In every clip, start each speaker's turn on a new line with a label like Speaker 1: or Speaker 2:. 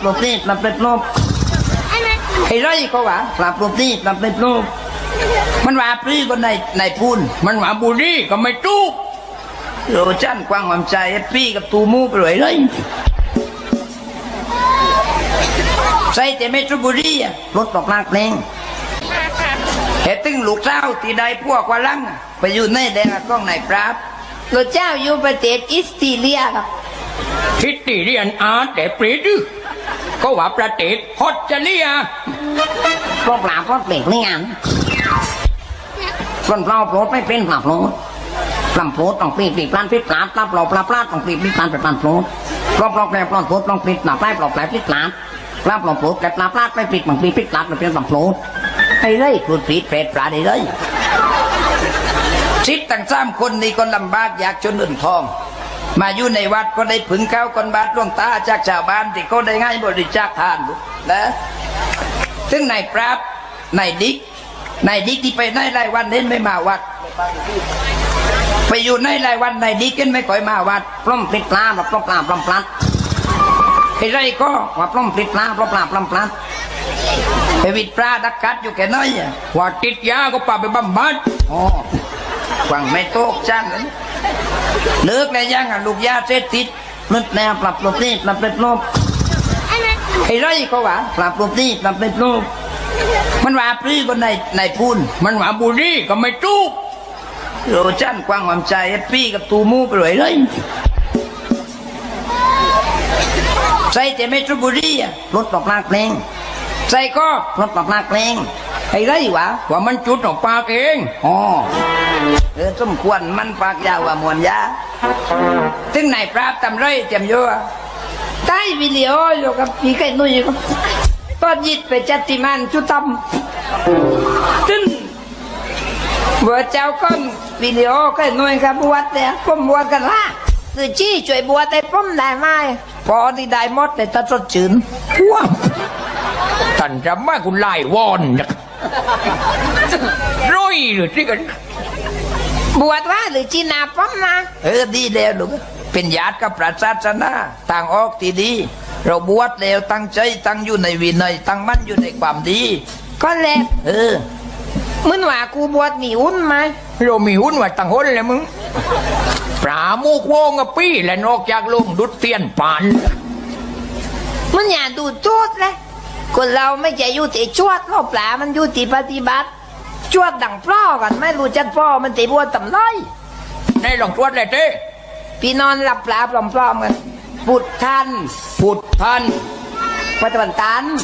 Speaker 1: โรตีปรับเป็นโลบไอ้ไรก็ว่าปรับโรตีปรับเป็นโลบมันว่าปรีก็ในพูนมันว่าบุรีก็ไม่ตู้โรจันกว้างความใจปรีกับตูมูไปเลยใส่แต่เมตรบุรีรถตกลากเพลงเหตุตึงลูกเจ้าที่ใดพวกว่าลังไปอยู่ในแดงกล้องไหนปราบลูกเจ้าอยู่ประเทศอิสติเลียครับ
Speaker 2: ทิตติเรียนอาแต่ปรีดก็ว่าประเทศฮอตจะเลีย
Speaker 1: พวกปราบพวกเปล่งนี่งานคนเราโปรดไม่เป็นปราบโปรดปราบโปรดต้องปีปลานพิษปราบปราบเราปราบปราดต้องปีปลานเป็นปลานโปรดปราบเราแปลปลานโปรดต้องปีปราบปลาดปราบแปลพิษปราบปราบเราโปรดแต่ปราบปราดไม่ปีบางปีพิษปราบเป็นปราบโปรดไอ้เลยครูปีเปรตปลาได้เลยชิดตั้ง3 คนนี่ก็ลำบากอยากจนอื่นทองมาอยู่ในวัดก็ได้ผึ่งข้าวคนบาทดวงตาจากชาวบ้านที่ก็ได้ง่ายบริจาคทานนะซึ่งนายปราบนายดิกที่ไปในรายวันเล่นไม่มาวัดไปอยู่ในรายวันนายดิกเล่นไม่ค่อยมาวัดปล้อมปลิดปลาแบบปล้อมปลาปล้อมปลัดไอ้ไรก็ว่าปล้อมปลิดปลาปล้อมปลาปล้อมปลัดไปวิดปลาดักกัดอยู่แค่น้อย
Speaker 2: ว่าติดยาก็ป่าไปบำบัด
Speaker 1: อ๋อหวังไม่โตกจังเลิกแล้วยังลูกยาเสพติดนึกแนวปรับโรตีปรับเป็นโลบไอ้ไรก็ว่าปรับโรตีปรับเป็นโลบมันว่าปรีก็ในพูน
Speaker 2: มันว่าบุรีก็ไม่ตู้
Speaker 1: โรจันกว้างความใจปรีกับตูมูไปเลยใส่แต่เมตรบุรีรถตกลากเพลงใส่ก็รถตกลากเพลงไอ้ไรวะ
Speaker 2: ว่ามันจุดออกปากเอง
Speaker 1: อ๋อสมควรมันปากยาวว่ามวนยาถึงไหนปราบทำไรเต็มเยอะใต้วิดีโออยู่กับพี่ไก่นุ่ยครับตอนยิดไปจัดติมันชุดตำตึ้งบัวเจ้าก้อนวิดีโอไก่นุ่ยครับบวชเนี่ยผมบวชกันละคือจี้ช่วยบวชแต่ผมได้ไหมพอที่ได้หมดแต่ตัดสดจืน
Speaker 2: ว้าท่านจะมาคุณไล่วอนนะร้อยหรือที่กัน
Speaker 1: บวชว่าหรือจีนาป้อมนะดีแล้วลูกเป็นญาติกับพระศาสนาต่างออกที่ดีเราบวชแล้วตั้งใจตั้งอยู่ในวินัยตั้งมั่นอยู่ในความดีก็แล้วมึงว่ากูบวชมีหุ้นไหม
Speaker 2: เรามีหุ้นว่าตั้งหุ้นเลยมึงปลาโมกโวงกับปี้และนอกจากลงดุดเตียนปาน
Speaker 1: มึงอย่าดูโจทย์เลยคนเราไม่ใช่อยู่ที่ชวดเราปลามันอยู่ที่ปฏิบัติชวดดังปล้อกันไม่รู้จักปล้อมันตีบัวต่ำน้อย
Speaker 2: ในหลงชวดเลยเต้
Speaker 1: พี่นอนหลับปลาปลอมๆกันพุทธันปัตตวันตัน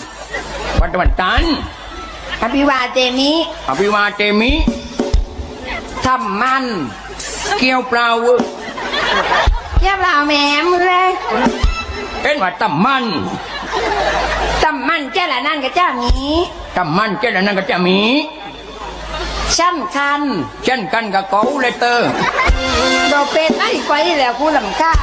Speaker 1: อภิวาเตมิทำมัน
Speaker 2: เกี่ยวเปล่า
Speaker 1: เกี่ยวเปล่าแหมมึงเลย
Speaker 2: เป็นว่าตำมัน
Speaker 1: เจ้าละนั่นกับเจ้ามี
Speaker 2: ตำมันเจ้าละนั่นกับเจ้ามี
Speaker 1: ชั้นกัน
Speaker 2: กับเกาเลยเตอร์
Speaker 1: ดอกเป็ดไอ้ไฟแล้วกูลำข้าง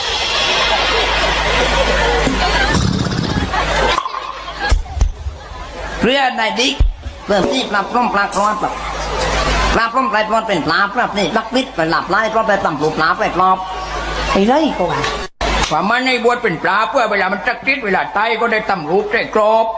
Speaker 1: เพื่อนายดิ๊กเริ่มที่ปลาปล้อมปลาคลอดปลาปล้อมปลาปลอดเป็นปลานี่ลักวิทย์ไปหลับไล่ปลาไปต่ำปลูกปลาไปปลอบไอ้ไรก็
Speaker 2: ว่ามันในบวชเป็นปลาเพื่อเวลามันจักจิตเวลาไตก็ได้ตำรูปได้กรอบ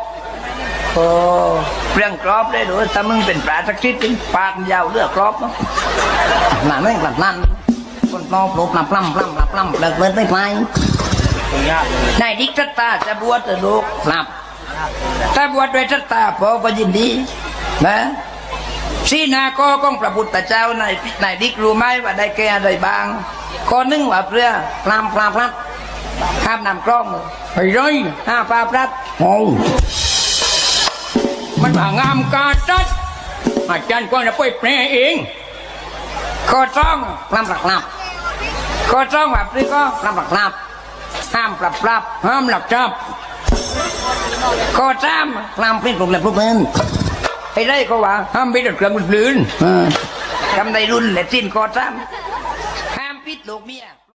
Speaker 1: เรื่องกรอบได้ด้วยถ้ามึงเป็นปลาจักจิตจริงปากยาวเลือกกรอบเนาะหนาไม่กลัดนั่นคนปลอบปลาปล้ำเลิกไม่ไปนายดิ๊กตาจะบวชจะลูกหลับถ้าบวชโดยศรัทธาพอก็ยินดีนะสีนาก็ของพระพุทธเจ้านายดิ๊กรู้ไหมว่าได้แก่อะไรบ้างข้อหนึ่งว่าเพื่อปลาพลัดห้ามนำกล้อง
Speaker 2: ไปเลย
Speaker 1: ห้ามปลาพลัด
Speaker 2: โอ้มันว่างามกาจัดอาจารย์ก็จะไปแปลเอง
Speaker 1: ข้อสองปลาหลับข้อสองว่าเพื่อก็ปลาหลับห้ามปรับ
Speaker 2: ห้ามหลักจับ
Speaker 1: ข้อสามปลาเป็นกลุ่มและพวกมึงไอ้ไรก็ว่า
Speaker 2: ห้ามไปดัดเครื่องลื่น
Speaker 1: ทำในรุ่นและสิ้นข้อสามห้ามปิดลูกเมีย